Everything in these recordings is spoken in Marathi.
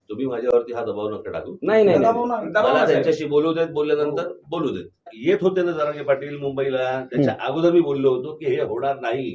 तुम्ही माझ्यावरती हा दबाव नका टाकू. नाही नाही मला त्यांच्याशी बोलू देत, बोलल्यानंतर बोलू देत. येत होते ना जरांगे पाटील मुंबईला, त्याच्या अगोदर मी बोललो होतो की हे होणार नाही,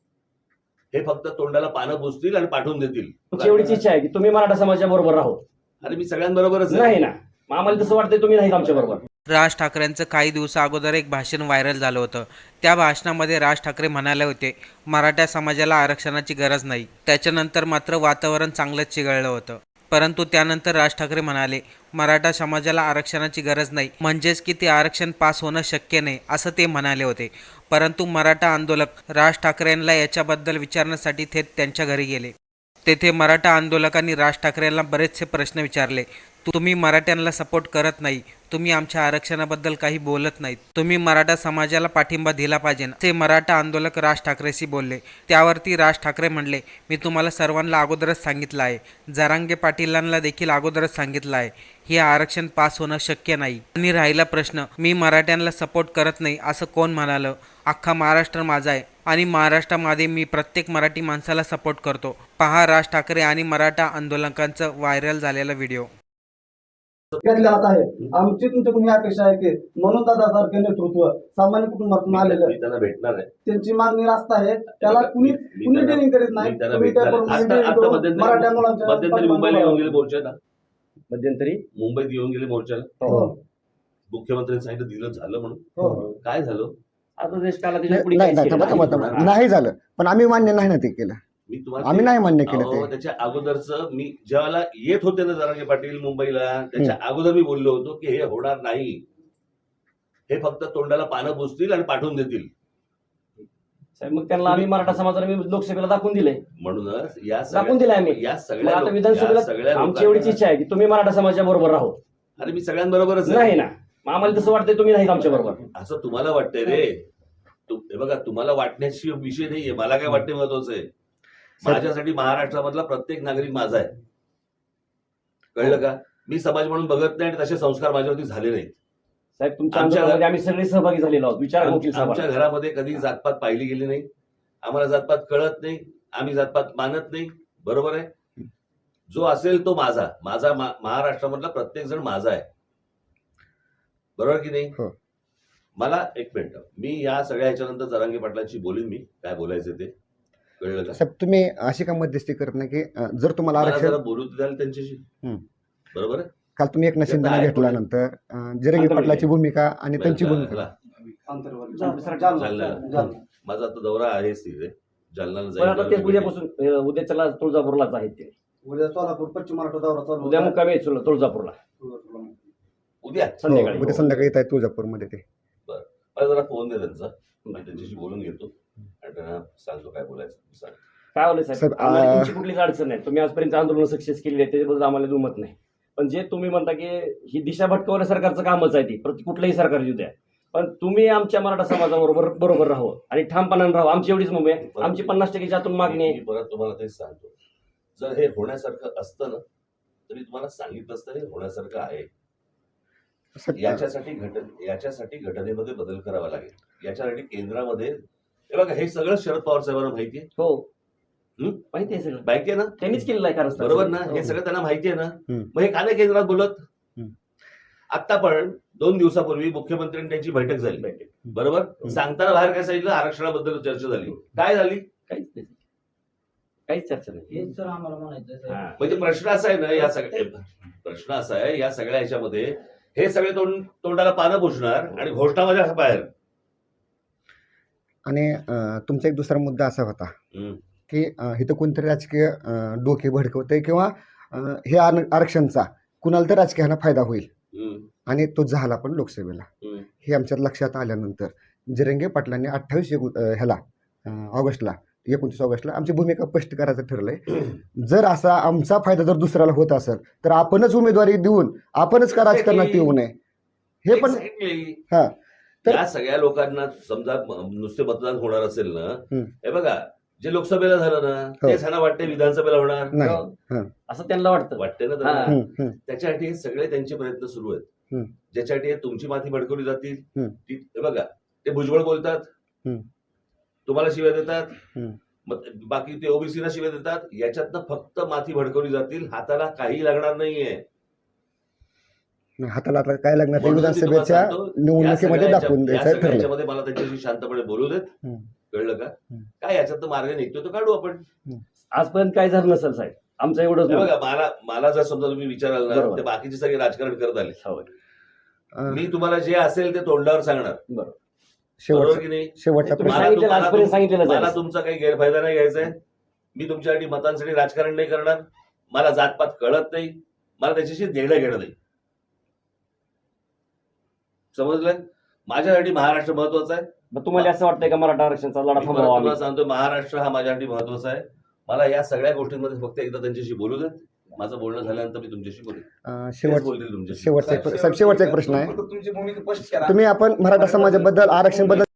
हे फक्त तोंडाला पानं पुसतील आणि पाठवून देतील. एवढीच इच्छा आहे की तुम्ही मराठा समाजाच्या बरोबर राहो. अरे मी सगळ्यांबरोबरच नाही ना, आम्हाला तसं वाटतंय तुम्ही नाही आमच्या बरोबर. राज ठाकरेंचं काही दिवसा अगोदर एक भाषण व्हायरल झालं होतं. त्या भाषणामध्ये राज ठाकरे म्हणाले होते मराठा समाजाला आरक्षणाची गरज नाही. त्याच्यानंतर मात्र वातावरण चांगलंच चिघळलं होतं. परंतु त्यानंतर राज ठाकरे म्हणाले मराठा समाजाला आरक्षणाची गरज नाही, म्हणजेच की ते आरक्षण पास होणं शक्य नाही असं ते म्हणाले होते. परंतु मराठा आंदोलक राज ठाकरेंना याच्याबद्दल विचारण्यासाठी थेट त्यांच्या घरी गेले. तेथे मराठा आंदोलकांनी राज ठाकरेंना बरेचसे प्रश्न विचारले. तुम्ही मराठ्यांना सपोर्ट करत नाही, तुम्ही आमच्या आरक्षणाबद्दल काही बोलत नाहीत, तुम्ही मराठा समाजाला पाठिंबा दिला पाहिजे असे मराठा आंदोलक राज ठाकरेशी बोलले. त्यावरती राज ठाकरे म्हणले मी तुम्हाला सर्वांना अगोदरच सांगितलं आहे, जरांगे पाटीलांना देखील अगोदरच सांगितलं आहे, हे आरक्षण पास होणं शक्य नाही. आणि राहिला प्रश्न मी मराठ्यांना सपोर्ट करत नाही असं कोण म्हणालं, अख्खा महाराष्ट्र माझा आहे आणि महाराष्ट्रामध्ये मी प्रत्येक मराठी माणसाला सपोर्ट करतो. पहा राज ठाकरे आणि मराठा आंदोलकांचा व्हायरल झालेला व्हिडिओ. घेतल्या जात आहे. आमची तुमच्याकडून अपेक्षा आहे की म्हणून दादासारखे नेतृत्व सामान्य कुटुंबातून आलेलं त्यांना भेटणार आहे. त्यांची मागणी रास्त आहे, त्याला कुणी ट्रेनिंग करीत नाही. मराठा मुलांच्या मध्यंतरी मुंबईला येऊन गेले मोर्चाला, मध्यंतरी मुंबईत येऊन गेले मोर्चाला. मुख्यमंत्र्यांनी सांगितलं दिलं झालं म्हणून. काय झालं आता देश काला त्याच्या पुढे नाही झालं, पण आम्ही मान्य नाही ना ते केलं. मी तुम्हाला आम्ही नाही मान्य केलं ते. त्याच्या अगोदरच मी ज्यावेळेला येत होते ना जरांगे पाटील मुंबईला, त्याच्या अगोदर मी बोललो होतो की हे होणार नाही, हे फक्त तोंडाला पानं पुसतील आणि पाठवून देतील. मग त्यांना आम्ही मराठा समाजाला लोकसभेला दाखवून दिले. म्हणूनच दाखवून दिले आम्ही. या सगळ्या विधानसभेला आमची एवढीच इच्छा आहे की तुम्ही मराठा समाजाच्या बरोबर राहो. अरे मी सगळ्यांबरोबरच नाही ना, आम्हाला तसं वाटतंय तुम्ही नाही आमच्या बरोबर. असं तुम्हाला वाटतंय रे. हे बघा, तुम्हाला वाटण्याची विषय नाहीये, मला काय वाटणे महत्वाचं आहे. माझ्यासाठी महाराष्ट्रामधला प्रत्येक नागरिक माझा आहे, कळलं का? मी समाज म्हणून बघत नाही आणि तसे संस्कार माझ्यावरती झाले नाहीत. साहेब तुमच्या आंदोलनामध्ये आम्ही सगळे सहभागी झालेलो आहोत. विचार आमच्या घरामध्ये कधी जातपात पाहिली गेली नाही, आम्हाला जातपात कळत नाही, आम्ही जातपात मानत नाही. बरोबर आहे? जो असेल तो माझा, माझा महाराष्ट्रामधला प्रत्येक जण माझा आहे. बरोबर की नाही? मला एक मिनिट, मी या सगळ्या ह्याच्यानंतर जरांगे पाटलांशी बोलीन, मी काय बोलायचं ते. कळलं का? साहेब तुम्ही अशी का मध्यस्थी करत नाही की जर तुम्हाला आरक्षण बोलू द्याल त्यांच्याशी. बरोबर आहे? काल तुम्ही एक शिंदेना घेतल्यानंतर जरांगे पाटलाची भूमिका आणि त्यांची भूमिका माझा आता दौरा आहे जालन्याला जाईल. तेच उद्यापासून उद्याच्याला तुळजापूरलाच आहेत ते. उद्या सोलापूर पश्चिम महाराष्ट्र दौरा चालू. उद्या मुक्कामी आहे तुळजापूरला. उद्या संध्याकाळी येत आहे तुळजापूरमध्ये ते. मला जरा फोन दे त्यांचा, मी त्यांच्याशी बोलून घेतो आणि त्यांना सांगतो काय बोलायचं. काय बोलायचं साहेब, आम्हाला तुमची कुठलीच अडचण नाही. तुम्ही आजपर्यंत आंदोलन सक्सेस केली आहे त्याच्याबद्दल आम्हाला दुमत नाही. पण जे तुम्ही म्हणता की ही दिशा भटकवण्या सरकारचं कामच आहे, ती कुठलंही सरकार येऊ द्या, पण तुम्ही आमच्या मराठा समाजाबरोबर बरोबर राहू आणि ठामपणाने राहू. आमची एवढीच मुंबई आहे, आमची 50% आतून मागणी आहे. परत तुम्हाला तेच सांगतो, जर हे होण्यासारखं असतं ना तर मी तुम्हाला सांगितलं असतं हे होण्यासारखं आहे. याच्यासाठी घटनेमध्ये बदल करावा लागेल. याच्यासाठी केंद्रामध्ये हे बघा, हे सगळं शरद पवार साहेबांना माहिती आहे. हो माहिती आहे, सगळं माहिती आहे ना, त्यांनीच केलेलं आहे. कारण बरोबर ना, हे सगळं त्यांना माहिती आहे ना. मग हे का नाही केंद्रात बोलत? आता पण 2 दिवसापूर्वी मुख्यमंत्र्यांनी त्यांची बैठक झाली, बरोबर? सांगताना बाहेर काय सांगितलं, आरक्षणाबद्दल चर्चा झाली. काय झाली? काहीच चर्चा नाही. म्हणजे प्रश्न असा आहे ना, प्रश्न असा आहे या सगळ्या ह्याच्यामध्ये हे सगळे तोंडाला पानं पुसणार आणि घोषणामध्ये बाहेर. आणि तुमचा एक दुसरा मुद्दा असा होता की इथं कोणतरी राजकीय डोके भडकवतंय किंवा हे आरक्षणचा कुणाला तर राजकीयाला फायदा होईल, आणि तो झाला पण लोकसभेला. हे आमच्या लक्षात आल्यानंतर जरांगे पाटलांनी 29 ऑगस्टला आमची भूमिका स्पष्ट करायचं ठरलंय. जर असा आमचा फायदा जर दुसऱ्याला होत असेल तर आपणच उमेदवारी देऊन आपणच का राजकारणात येऊ नये. हे पण तर या सगळ्या लोकांना समजा नुसते मतदान होणार असेल ना, हे बघा जे लोकसभेला झालं ना तेच ह्यांना वाटते विधानसभेला होणार नाही असं त्यांना वाटते ना त्यांना. त्याच्यासाठी हे सगळे त्यांचे प्रयत्न सुरू आहेत, ज्याच्यासाठी तुमची माती भडकवली जातील. हे बघा, ते भुजबळ बोलतात, तुम्हाला शिव्या देतात, मग बाकी ते ओबीसीला शिवाय देतात, याच्यातनं फक्त माती भडकवली जातील, हाताला काही लागणार नाहीये. हाताला आता काय लागणार ते म्हणून मी तुम्हाला विधानसभेच्या सांगतो, या निवडणुकीमध्ये सगळ्या दाखवून याच्या- या द्यायचं सगळ्या ठरलं. याच्यामध्ये मला त्यांच्याशी शांतपणे बोलू देत. हम्म. कळलं का? हम्म. काय याच्यात मार्ग निघतो तो काढू आपण. आजपर्यंत काय झालं नसेल साहेब, आमचं एवढंच हे मत. बघा, मला जर समजा तुम्ही विचाराल ना, बरोबर. ते बाकीचे सगळे राजकारण करत आले. होय. मी तुम्हाला जे असेल ते तोंडावर सांगणार, बरोबर शेवटचा की नाही? शेवटचा तुम्ही प्रश्न सांगितलेलं आजपर्यंत सांगितलेलं मला आहे. तुमचा काही गैरफायदा नाही घ्यायचा आहे. मी तुमच्यासाठी मतांसाठी राजकारण नाही करणार. मला जातपात कळत नाही, मला त्याच्याशी देणं घेणं नाही. समजलं? माझ्यासाठी महाराष्ट्र महत्वाचा आहे. मग तुम्हाला असं वाटतंय का मराठा आरक्षणाचा लढा मी थांबवा परत आम्ही? तुम्हाला सांगतो, महाराष्ट्र हा माझ्यासाठी महत्वाचा आहे. मला या सगळ्या गोष्टींमध्ये फक्त एकदा त्यांच्याशी बोलू देत. माझं बोलणं झाल्यानंतर मी तुमच्याशी बोलेन. तेच बोलतील तुमच्याशी. शेवटचा एक प्रश्न आहे. तुमची भूमिका स्पष्ट करा. तुम्ही आपण मराठा समाजाबद्दल आरक्षण बद्दल